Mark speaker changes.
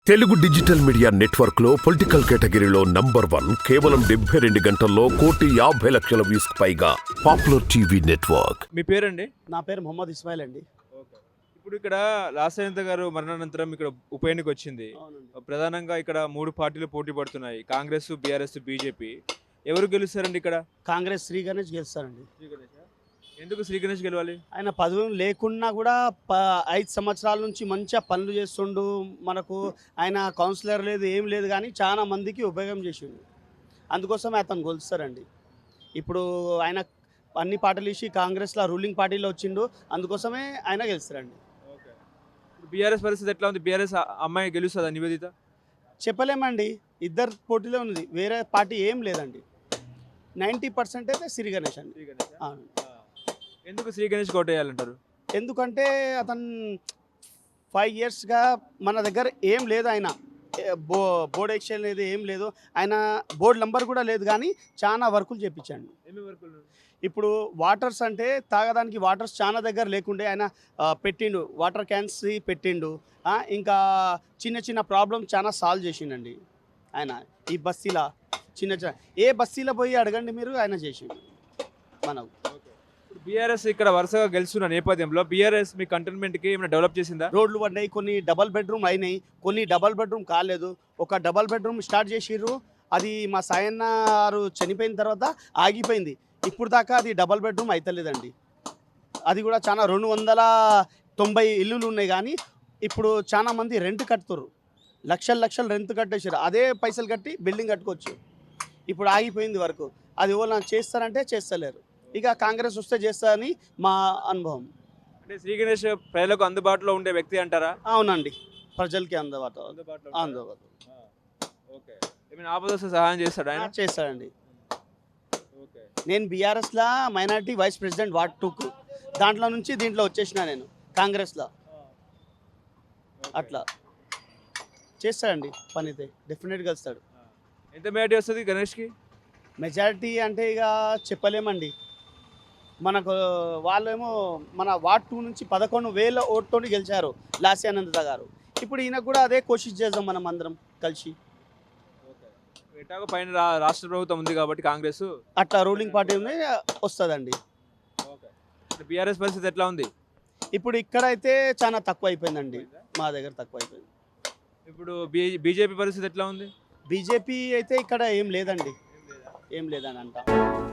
Speaker 1: Telugu digital media network లో political కేటగిరీలో #1 కేవలం 72 గంటల్లో 1,50,00,000 వ్యూస్ పైగా పాపులర్ టీవీ నెట్వర్క్.
Speaker 2: మీ పేరండి?
Speaker 3: నా పేరు మొహమ్మద్ ఇస్మాయిల్ అండి.
Speaker 2: ఇప్పుడు ఇక్కడ లాసయ్యంత గారు మరణానంతరం ఇక్కడ ఉప ఎన్నిక వచ్చింది. ప్రధానంగా ఇక్కడ 3 పార్టీలు పోటీ పడుతున్నాయి, కాంగ్రెస్, బీఆర్ఎస్, బీజేపీ. ఎవరు గెలుస్తారండి ఇక్కడ?
Speaker 3: కాంగ్రెస్ శ్రీ గణేష్ గెలుస్తారండి.
Speaker 2: ఎందుకు శ్రీ గణేష్ గెలవాలి?
Speaker 3: ఆయన పదవి లేకున్నా కూడా 5 సంవత్సరాల నుంచి మంచిగా పనులు చేస్తుండు. మనకు ఆయన కౌన్సిలర్ లేదు, ఏం లేదు, కానీ చాలా మందికి ఉపయోగం చేసిండు. అందుకోసమే అతను గెలుస్తారండి. ఇప్పుడు ఆయన అన్ని పార్టీలు ఇచ్చి కాంగ్రెస్లో రూలింగ్ పార్టీలో వచ్చిండు, అందుకోసమే ఆయన గెలుస్తారండి.
Speaker 2: బీఆర్ఎస్ పరిస్థితి ఎట్లా ఉంది? బీఆర్ఎస్ అమ్మాయి గెలుస్తుందా నివేదిత?
Speaker 3: చెప్పలేమండి, ఇద్దరు పోటీలో ఉంది, వేరే పార్టీ ఏం లేదండి. 90% అయితే శ్రీ గణేష్ అండి. అవును.
Speaker 2: ఎందుకు శ్రీ గణేష్ కోటేయాలంటారు?
Speaker 3: ఎందుకంటే అతను 5 ఇయర్స్గా మన దగ్గర ఏం లేదు, ఆయన బోర్డ్ ఎక్స్చేంజ్ లేదు, ఏం లేదు, ఆయన బోర్డు నెంబర్ కూడా లేదు, కానీ చాలా వర్కులు చేయించండి. ఇప్పుడు వాటర్స్ అంటే తాగడానికి వాటర్స్ చాలా దగ్గర లేకుండే ఆయన పెట్టిండు, వాటర్ క్యాన్స్ పెట్టిండు. ఇంకా చిన్న చిన్న ప్రాబ్లమ్ చాలా సాల్వ్ చేసిండండి ఆయన. ఈ బస్తీలో చిన్న చిన్న ఏ బస్తీలో పోయి అడగండి మీరు, ఆయన చేసిండు మనకు.
Speaker 2: బీఆర్ఎస్ ఇక్కడ వరుసగా గెలుస్తున్న నేపథ్యంలో బీఆర్ఎస్ మీ కంటోన్మెంట్కి ఏమైనా డెవలప్ చేసిందా?
Speaker 3: రోడ్లు పడ్డాయి, కొన్ని డబల్ బెడ్రూమ్ అయినాయి, కొన్ని డబల్ బెడ్రూమ్ కాలేదు. ఒక డబల్ బెడ్రూమ్ స్టార్ట్ చేసిర్రు, అది మా సాయన్న గారు చనిపోయిన తర్వాత ఆగిపోయింది. ఇప్పుడు దాకా అది డబల్ బెడ్రూమ్ అవుతలేదండి. అది కూడా చాలా 290 ఇల్లులు ఉన్నాయి, కానీ ఇప్పుడు చాలా మంది రెంట్ కడుతుర్రు, లక్షలు రెంట్ కట్టేసారు. అదే పైసలు కట్టి బిల్డింగ్ కట్టుకోవచ్చు. ఇప్పుడు ఆగిపోయింది వరకు. అది ఎవరు చేస్తారంటే చేస్తలేరు. ఇక కాంగ్రెస్ వస్తే చేస్తారని మా అనుభవం.
Speaker 2: అంటే శ్రీ గణేష్ ప్రజలకు అందుబాటులో ఉండే వ్యక్తి అంటారా?
Speaker 3: అవునండి, ప్రజలకి అందుబాటులో.
Speaker 2: ఓకే. ఏమైనా ఆపద వస్తే సహాయం చేస్తాడు ఆయన?
Speaker 3: చేస్తాడండి. నేను బీఆర్ఎస్లో మైనారిటీ వైస్ ప్రెసిడెంట్ వార్డ్ 2కు, దాంట్లో నుంచి దీంట్లో వచ్చేసిన నేను కాంగ్రెస్లో. అట్లా చేస్తాడండి, పని అయితే డెఫినెట్గా వస్తాడు.
Speaker 2: ఎంత మెజారిటీ వస్తుంది గణేష్కి?
Speaker 3: మెజారిటీ అంటే ఇక చెప్పలేమండి. మనకు వాళ్ళేమో మన వార్డ్ 2 నుంచి 11,000 ఓటుతో గెలిచారు లాస్యానంద గారు. ఇప్పుడు ఈయనకు కూడా అదే కోషిష్ చేద్దాం మనం అందరం కలిసి.
Speaker 2: ఎటాగో పైన రాష్ట్ర ప్రభుత్వం ఉంది కాబట్టి కాంగ్రెస్
Speaker 3: అట్లా రూలింగ్ పార్టీ ఉంది, వస్తుందండి.
Speaker 2: బీఆర్ఎస్ పరిస్థితి ఎట్లా ఉంది?
Speaker 3: ఇప్పుడు ఇక్కడైతే చాలా తక్కువ అయిపోయిందండి, మా దగ్గర తక్కువ అయిపోయింది.
Speaker 2: ఇప్పుడు బీజేపీ పరిస్థితి ఎట్లా ఉంది?
Speaker 3: బీజేపీ అయితే ఇక్కడ ఏం లేదండి, ఏం లేదని అంట.